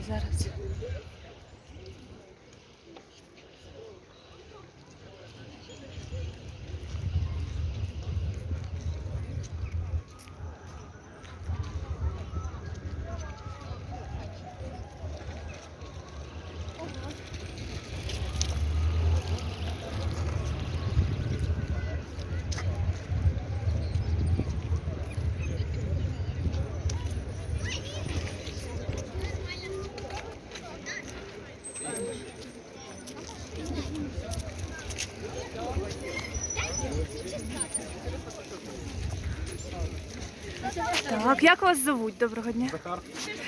зараз. Так, як вас звуть? Доброго дня. Захар.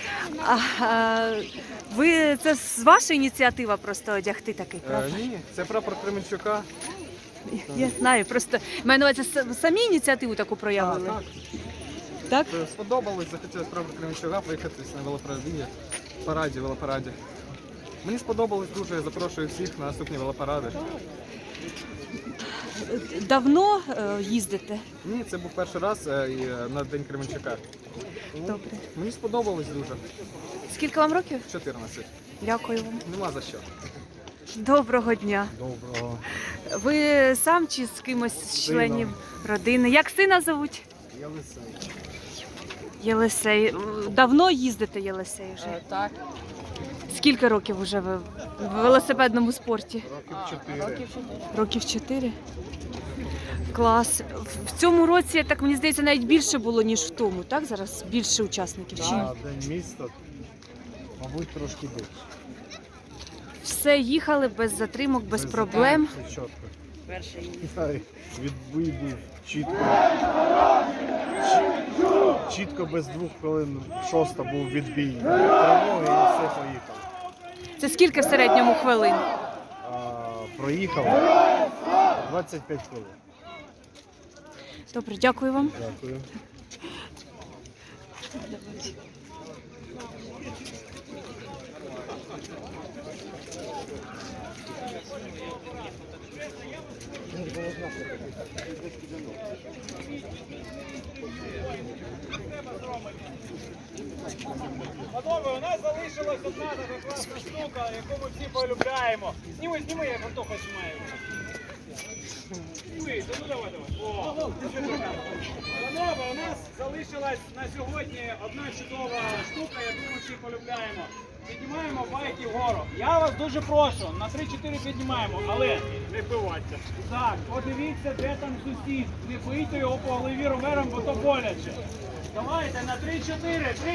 Ви це з вашої ініціатива просто одягти такий прапор? Ні, це прапор Кременчука. Я знаю, просто маю на увазі, самі ініціативу таку проявили. Так. Так? Сподобалось, захотілося прапор Кременчука поїхати на велопараді. Мені сподобалось дуже, я запрошую всіх на наступні велопаради. Давно їздите? Ні, це був перший раз на День Кременчука. Добре. Мені сподобалось дуже. Скільки вам років? 14. Дякую вам. Нема за що. Доброго дня. Доброго. Ви сам чи з кимось з членів родини? Як сина зовуть? Єлисей. Єлисей. Давно їздите, Єлисей, вже? Так. Скільки років вже ви в велосипедному спорті? Років 4. Років 4? Клас. В цьому році, так мені здається, навіть більше було, ніж в тому, так? Зараз більше учасників. Чи ні? День міста, мабуть, трошки більше. Все їхали без затримок, без проблем. Все чітко. Відбій був чітко. Чітко без 2 хвилин 6 був відбій. Тривоги і все поїхало. Це скільки в середньому хвилин? Проїхав 25 хвилин. Добре, дякую вам. Дякую. Панове, у нас залишилась одна така класна штука, яку ми всі полюбляємо. Зніми, як Антоха знімає. Зніми, ну давай. О. Панове, у нас залишилась на сьогодні одна чудова штука, яку ми всі полюбляємо. Піднімаємо байки вгору. Я вас дуже прошу, на 3-4 піднімаємо, але не вбивайте. Так, подивіться, де там сусід. Не бийте його по голові ровером, бо то боляче. Давайте на 3-4.